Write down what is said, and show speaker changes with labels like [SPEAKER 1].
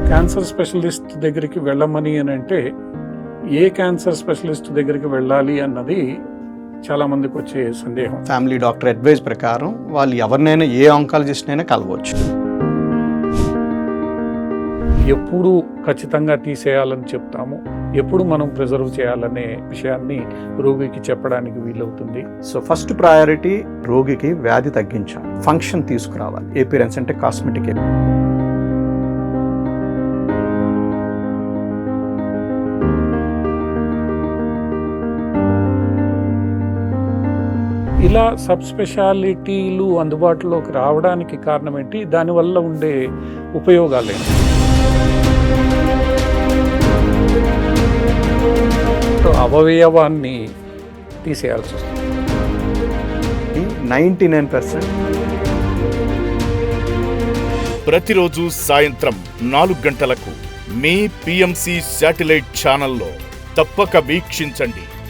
[SPEAKER 1] Cancer specialist దగ్గరికి వెళ్ళమని అని అంటే ఏ క్యాన్సర్ స్పెషలిస్ట్ దగ్గరికి వెళ్ళాలి అన్నది చాలా మందికి వచ్చే సందేహం.
[SPEAKER 2] ఫ్యామిలీ డాక్టర్ అడ్వైజ్ ప్రకారం వాళ్ళు ఎవరినైనా ఏ ఆంకాలజిస్ట్ అయినా కలవచ్చు.
[SPEAKER 1] ఎప్పుడు ఖచ్చితంగా తీసేయాలని చెప్తాము, ఎప్పుడు మనం ప్రిజర్వ్ చేయాలనే విషయాన్ని రోగికి చెప్పడానికి వీలవుతుంది.
[SPEAKER 2] సో ఫస్ట్ ప్రయారిటీ రోగికి వ్యాధి తగ్గించాలి, ఫంక్షన్ తీసుకురావాలి. ఏపిరెన్స్ అంటే కాస్మెటిక్.
[SPEAKER 1] ఇలా సబ్ స్పెషాలిటీలు అందుబాటులోకి రావడానికి కారణం ఏంటి, దానివల్ల ఉండే ఉపయోగాలు ఏంటి? అవయవాన్ని తీసేయాల్సి వస్తుంది.
[SPEAKER 2] 99%
[SPEAKER 3] ప్రతిరోజు సాయంత్రం 4 గంటలకు మీ PMC శాటిలైట్ ఛానల్లో తప్పక వీక్షించండి.